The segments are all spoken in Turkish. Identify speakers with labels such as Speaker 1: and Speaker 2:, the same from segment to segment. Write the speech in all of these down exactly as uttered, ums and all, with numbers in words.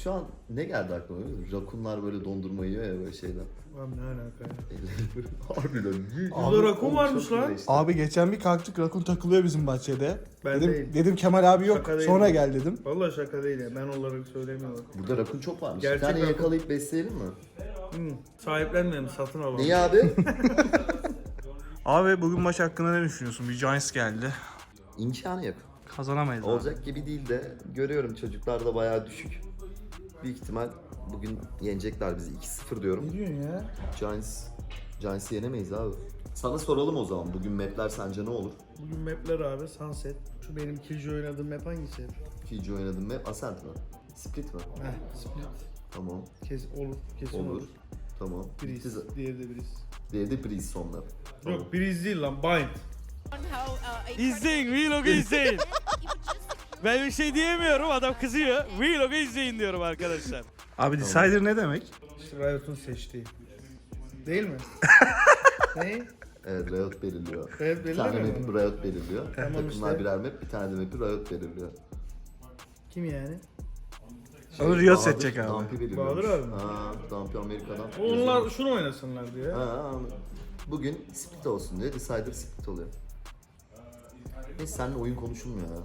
Speaker 1: şu an ne geldi aklıma biliyor musun? Rakunlar böyle dondurma yiyor ya böyle şeyden.
Speaker 2: Abi ne alaka ya?
Speaker 1: Harbiden.
Speaker 2: Burada rakun varmış lan.
Speaker 3: Abi geçen bir kalktık rakun takılıyor bizim bahçede.
Speaker 2: Ben
Speaker 3: dedim,
Speaker 2: değil.
Speaker 3: dedim Kemal abi yok
Speaker 2: Şaka değil
Speaker 3: sonra
Speaker 2: bu.
Speaker 3: gel dedim.
Speaker 2: Vallahi şaka değil ya. Ben olarak söylemiyorum.
Speaker 1: Burada rakun çok varmış.
Speaker 2: Gerçek
Speaker 1: bir tane
Speaker 2: rakun.
Speaker 1: yakalayıp besleyelim mi?
Speaker 2: Hmm. Sahiplenmeyelim, satın alalım.
Speaker 1: Niye abi?
Speaker 3: Abi bugün maç hakkında ne düşünüyorsun? Bir Giants geldi.
Speaker 1: İmkanı yok.
Speaker 3: Kazanamayız abi.
Speaker 1: Olacak gibi değil de görüyorum çocuklar da bayağı düşük. Büyük ihtimal bugün yenecekler bizi. iki sıfır diyorum.
Speaker 2: Ne diyorsun ya?
Speaker 1: Giants, Giants'ı yenemeyiz abi. Sana soralım o zaman. Bugün mapler sence ne olur?
Speaker 2: Bugün mapler abi Sunset. Şu benim Killjoy oynadığım map hangisi?
Speaker 1: Fiji oynadın map Ascent mi? Split mi?
Speaker 2: Heh, Split.
Speaker 1: Tamam.
Speaker 2: Kes, olur, kesin olur.
Speaker 1: Olur. Tamam. Bitti
Speaker 2: Breeze,
Speaker 1: zaten.
Speaker 2: diğeri de Breeze.
Speaker 1: Diğeri de Breeze son map. Tamam.
Speaker 2: Yok Breeze değil lan, Bind.
Speaker 4: İzleyin, vlogu izleyin. Ben bir şey diyemiyorum, adam kızıyor. Vlogu izleyin diyorum arkadaşlar.
Speaker 3: Abi Decider ne demek?
Speaker 2: İşte Riot'un seçtiği. Değil mi? ne?
Speaker 1: Evet, Riot belirliyor.
Speaker 2: Riot
Speaker 1: Bir tane
Speaker 2: belirlemiyor
Speaker 1: map'i
Speaker 2: mu?
Speaker 1: Riot belirliyor.
Speaker 2: Tamam
Speaker 1: Takımlar
Speaker 2: işte.
Speaker 1: birer map, bir tane de map'i Riot belirliyor.
Speaker 2: Kim yani?
Speaker 3: Onu Riot
Speaker 1: Bahadır,
Speaker 3: seçecek abi.
Speaker 1: Dumpy belirliyor.
Speaker 2: Bahadır abi mi?
Speaker 1: Ha, Dumpy Amerika'dan.
Speaker 2: Onlar şunu oynasınlar diyor.
Speaker 1: Ha, bugün split olsun diye Decider split oluyor. Neyse seninle oyun konuşulmuyor ya.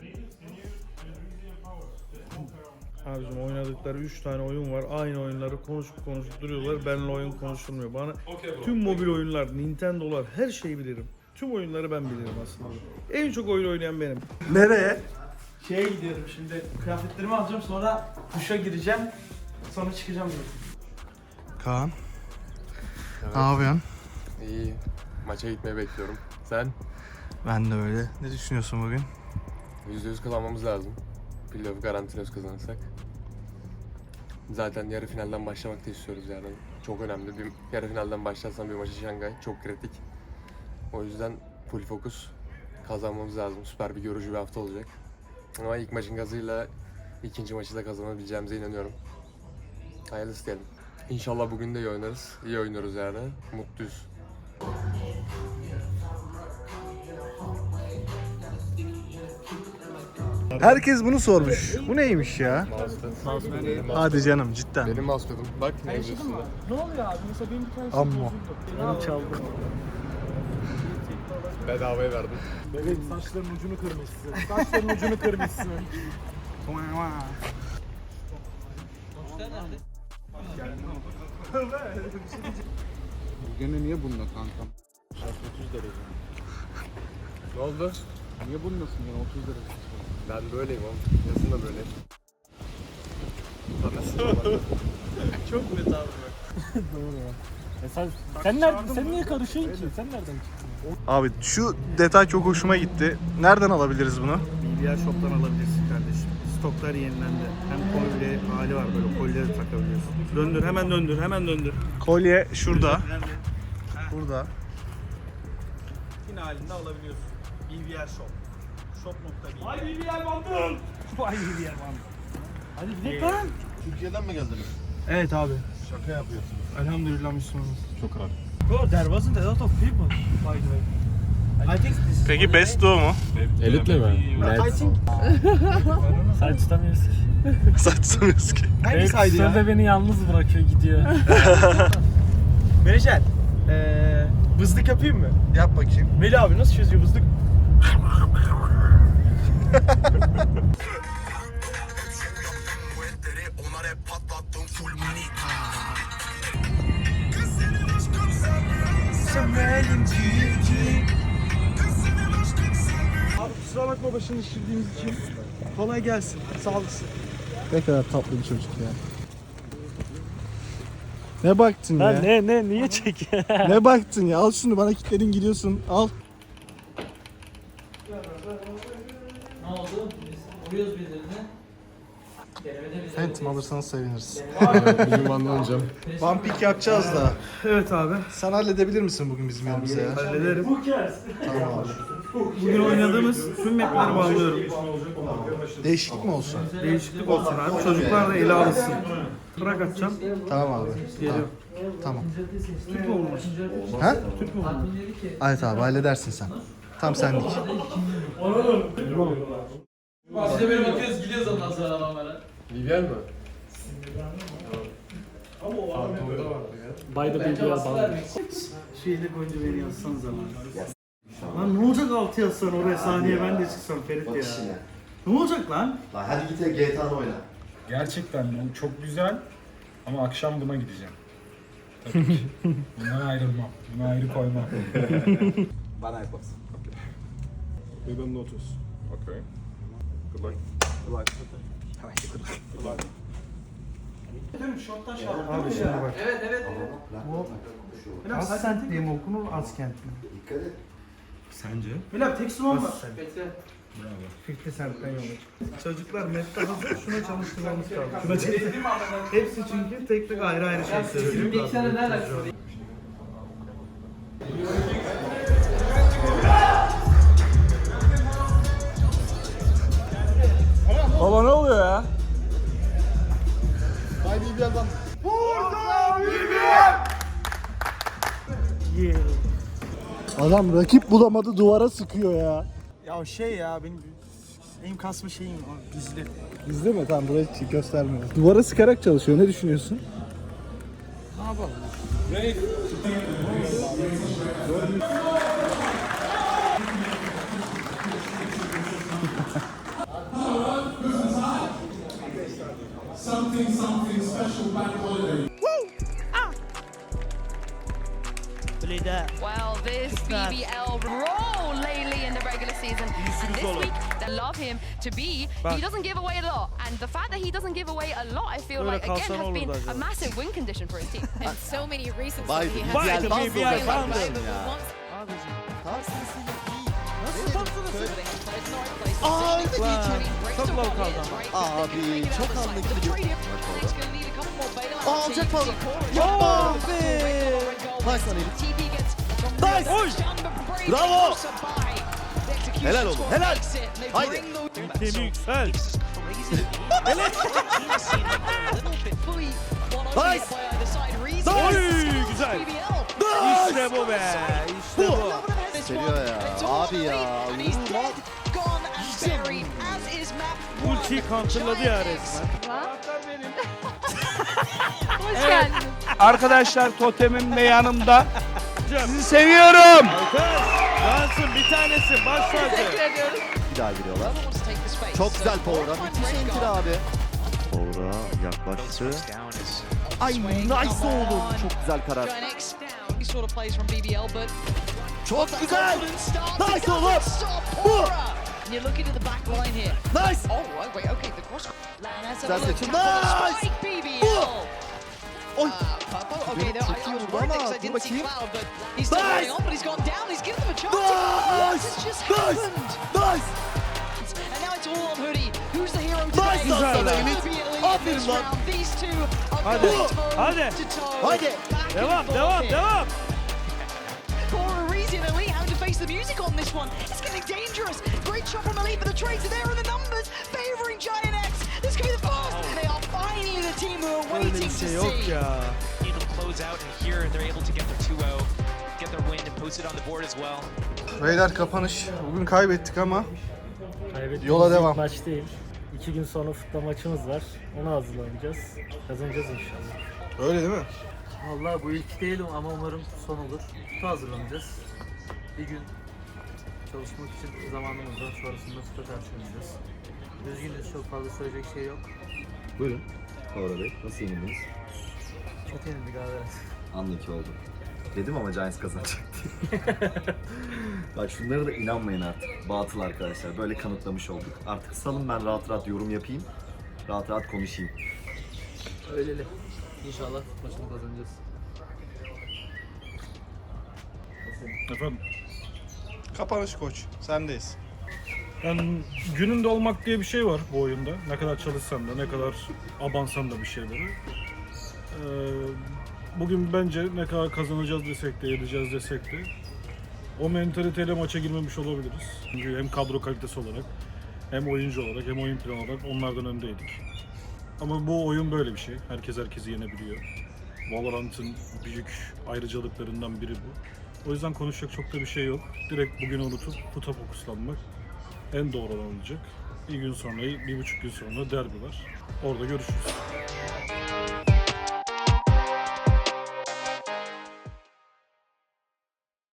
Speaker 2: Abicim oynadıkları üç tane oyun var. Aynı oyunları konuşup konuşup duruyorlar. Benimle oyun konuşulmuyor. Bana tüm mobil oyunlar, Nintendo'lar her şeyi bilirim. Tüm oyunları ben bilirim aslında. En çok oyun oynayan benim.
Speaker 3: Nereye?
Speaker 5: Şeye gidiyorum şimdi, kıyafetlerimi alacağım, sonra duşa gireceğim, sonra çıkacağım.
Speaker 3: Kaan. Ne yapıyorsun?
Speaker 6: İyi. Maça gitmeyi bekliyorum. Sen?
Speaker 3: Ben de öyle. Ne düşünüyorsun bugün?
Speaker 6: yüzde yüz kazanmamız lazım. Playoff garantiliyoruz kazanırsak. Zaten yarı finalden başlamak da istiyoruz yani. Çok önemli. Bir yarı finalden başlarsan bir maçı Şangay çok kritik. O yüzden full fokus. Kazanmamız lazım. Süper bir görücü bir hafta olacak. Ama ilk maçın gazıyla ikinci maçı da kazanabileceğimize inanıyorum. Hayırlısı diyelim. İnşallah bugün de iyi oynarız. İyi oynuyoruz yani. Mutluyuz.
Speaker 3: Herkes bunu sormuş. Bu neymiş ya?
Speaker 6: Benim,
Speaker 3: Hadi canım cidden.
Speaker 6: benim mousepad'ım. Bak ne yazıyorsun?
Speaker 5: Ne oluyor abi? Mesela benim bir tanesi
Speaker 3: Amma.
Speaker 5: Benim çaldım.
Speaker 6: Bedavaya verdim.
Speaker 5: Evet, saçların ucunu kırmışsın. Saçların ucunu kırmışsın.
Speaker 7: Gene niye bununla kankam?
Speaker 5: otuz derece.
Speaker 6: Ne oldu?
Speaker 7: Niye bununlasın gene otuz derece?
Speaker 6: Ben böyleyim oğlum. Yazın da böyle.
Speaker 5: Çok net abi bak. Doğru ya. E sen, sen, nereden, sen niye karışıyorsun ki? Sen nereden çıktın?
Speaker 3: Abi şu detay çok hoşuma gitti. Nereden alabiliriz bunu?
Speaker 2: B B R Shop'tan alabilirsin kardeşim. Stoklar yenilendi. Hem kolye hali var böyle kolyeleri takabiliyorsun. Döndür hemen döndür hemen döndür.
Speaker 3: Kolye şurada.
Speaker 2: Nerede?
Speaker 3: Burada.
Speaker 2: Yine halinde alabiliyorsun. B B R Shop. Shop nokta
Speaker 5: Vay bir yer bandım. Vay bir yer bandım. Hadi gidelim lan.
Speaker 7: Türkiye'den mi geldiniz?
Speaker 5: Evet abi.
Speaker 7: Şaka yapıyorsunuz.
Speaker 5: Elhamdülillah Müslümanız.
Speaker 7: Çok ağır.
Speaker 5: Bro, there wasn't a lot of people, by the way. I think this is
Speaker 3: Peki Best Duo mu?
Speaker 6: Elitle mi?
Speaker 5: I think... Sen tutamıyorsun.
Speaker 3: Saçsamıyoruz ki.
Speaker 5: Hangisiydi ya? Sırada beni yalnız bırakıyor, gidiyor. Menajer, ee, bızlık yapayım mı?
Speaker 3: Yap bakayım.
Speaker 5: Veli abi nasıl çözüyor bızlık? Abi kusura bakma başını şişirdiğimiz için. Kolay gelsin. Sağ olasın.
Speaker 3: Ne kadar tatlı bir çocuk ya. Ne baktın ya?
Speaker 5: ne ne niye çek?
Speaker 3: Ne baktın ya? Al şunu bana kilitledin gidiyorsun. Al.
Speaker 8: Ne oldu? Biz vuruyoruz birilerine. Denemede bize
Speaker 3: Phantom alırsanız seviniriz.
Speaker 6: Bugün banlanacağım.
Speaker 3: One pick yapacağız da.
Speaker 2: Evet abi.
Speaker 3: Sen halledebilir misin bugün bizim yanımıza ya?
Speaker 2: Hallederim.
Speaker 3: Tamam abi.
Speaker 2: Bugün oynadığımız tüm mapleri bağlıyorum.
Speaker 3: Değişiklik mi olsun?
Speaker 2: Değişiklik olsun abi. Çocuklar da ele alışsın. Bırak atacağım.
Speaker 3: Tamam abi.
Speaker 2: Geliyor.
Speaker 3: Tamam.
Speaker 2: Türk mü olmuş?
Speaker 3: Ha?
Speaker 2: Türk mü olmuş?
Speaker 3: Evet abi halledersin sen. Tam senlik.
Speaker 8: Biz de böyle bakıyoruz gidiyoruz ondan sonra adamlara.
Speaker 6: Vivian mi?
Speaker 5: By the B B L bağlı.
Speaker 2: Şu eli koyunca beni yazsan zaman. Lan ne olacak altı yazsan oraya sahneye ben de çıksam Ferit
Speaker 1: Bak
Speaker 2: ya.
Speaker 1: işine.
Speaker 2: Ne olacak lan?
Speaker 1: Lan hadi git G T A'nı oyna.
Speaker 9: Gerçekten bu çok güzel ama akşam buna gideceğim. Tabii ki. Bundan ayrılmam. Buna ayrı koymam.
Speaker 7: Bana yaparsın.
Speaker 9: We will notice. Okay. Good luck.
Speaker 2: Abi şimdi bak.
Speaker 8: Evet evet.
Speaker 2: Bu Askent diye mi okunur, Askent mi?
Speaker 1: Dikkat et.
Speaker 9: Sence?
Speaker 2: Bilal tek suman var.
Speaker 8: Bekle.
Speaker 2: Fikri Sent'ten yola. Çocuklar mette hazır şuna çalıştırmamız lazım. Şuna çalıştırmamız Hepsi çünkü tek tek ayrı ayrı şey söylüyor.
Speaker 8: Bir iki tane nereden sorayım?
Speaker 3: Baba ne oluyor ya?
Speaker 7: Adam rakip bulamadı duvara sıkıyor ya.
Speaker 3: Ya şey ya benim benim kasma şeyim gizli.
Speaker 7: Gizli mi? Tamam buraya göstermiyor. Duvara sıkarak çalışıyor. Ne düşünüyorsun?
Speaker 10: Well, this B B L role lately in the regular season. And this week, they love him to be. He doesn't give away a lot. And the fact that he doesn't give away a lot, I feel
Speaker 2: Böyle
Speaker 10: like, again,
Speaker 2: kalsan
Speaker 10: has been
Speaker 2: olurdu
Speaker 10: a
Speaker 2: acaba.
Speaker 10: massive win condition for his team.
Speaker 11: And so many reasons
Speaker 1: Vay
Speaker 11: why he
Speaker 1: be,
Speaker 11: has
Speaker 1: Vay
Speaker 11: to
Speaker 1: be,
Speaker 11: be
Speaker 1: B B L
Speaker 11: like
Speaker 1: bandı
Speaker 11: that, but
Speaker 1: ya.
Speaker 11: once
Speaker 10: Çok low kaldı ama.
Speaker 1: Abi çok anlıklı bir
Speaker 10: Aa alacak
Speaker 1: falan.
Speaker 10: Yapma
Speaker 1: be. Bak sana Elif.
Speaker 10: Nice!
Speaker 1: Bravo! Helal oğlum, helal. Haydi.
Speaker 2: Ülkemi yüksel.
Speaker 1: Nice.
Speaker 2: Oy güzel. İşte bu be. İşte bu.
Speaker 1: Seviyor ya. Abi ya.
Speaker 2: Ultiyi counterladı ya resmen.
Speaker 10: Hoş geldin.
Speaker 3: Arkadaşlar totemim de yanımda.
Speaker 2: Hocam,
Speaker 3: Sizi seviyorum.
Speaker 2: Dansın bir tanesi baş tacı.
Speaker 1: Bir daha giriyorlar. Çok güzel Power'a. Müthiş enter abi. Power'a yaklaştı. Ay nice oğlum. Çok güzel karar. Çok güzel. Nice oğlum. Bu. Nice. Güzel seçim. Nice. Bu. Oy. Beni çekiyor burada ama dur bakayım. Nice. Nice. Nice. Nice lan sana Elif. Aferin lan.
Speaker 2: Hadi. Hadi.
Speaker 1: Haydi.
Speaker 2: Devam devam devam.
Speaker 10: Cora Reese and Elite having to face the music on this one. It's getting dangerous. Great shot from Elite, but the trades are there in the numbers, favoring Giant X. This could be the first. They are finally the team who are
Speaker 2: Böyle
Speaker 10: waiting
Speaker 2: bir
Speaker 10: to
Speaker 2: şey yok
Speaker 10: see.
Speaker 2: ya.
Speaker 12: Able to close out and here they're able to get their two oh, get their win and post it on the board as well.
Speaker 3: Beyler kapanış. Bugün kaybettik ama
Speaker 5: Kaybettiğimiz
Speaker 3: Yola
Speaker 5: ilk
Speaker 3: devam.
Speaker 5: maç değil. İki gün sonra futbol maçımız var. Ona hazırlanacağız. Kazanacağız inşallah.
Speaker 3: öyle değil mi?
Speaker 8: Vallahi bu ilk değilim ama umarım son olur. Kutu hazırlanacağız. Bir gün çalışmak için zamanımız var. Sonrasında kutu karşılayacağız. Üzgünüz, çok fazla söyleyecek şey yok.
Speaker 1: Buyurun. Power'a Bey. Nasıl yenildiniz?
Speaker 8: Kötü yenildik abi.
Speaker 1: Anlık oldu. Dedim ama Giants kazanacak diye. Bak şunlara da inanmayın artık. Batıl arkadaşlar. Böyle kanıtlamış olduk. Artık salın ben rahat rahat yorum yapayım. Rahat rahat konuşayım.
Speaker 8: Öyleli. İnşallah maçını kazanacağız.
Speaker 2: Efendim.
Speaker 3: Kapanış koç. Sendeyiz.
Speaker 2: Yani gününde olmak diye bir şey var bu oyunda. Ne kadar çalışsan da, ne kadar abansan da bir şeyleri. Ee, bugün bence ne kadar kazanacağız desek de, edeceğiz desek de o mentaliteyle maça girmemiş olabiliriz. Çünkü hem kadro kalitesi olarak, hem oyuncu olarak, hem oyun planı olarak onlardan öndeydik. Ama bu oyun böyle bir şey. Herkes herkesi yenebiliyor. Valorant'ın büyük ayrıcalıklarından biri bu. O yüzden konuşacak çok da bir şey yok. Direkt bugünü unutup puta fokuslanmak en doğru olan olacak. Bir gün sonra, bir buçuk gün sonra derbi var. Orada görüşürüz.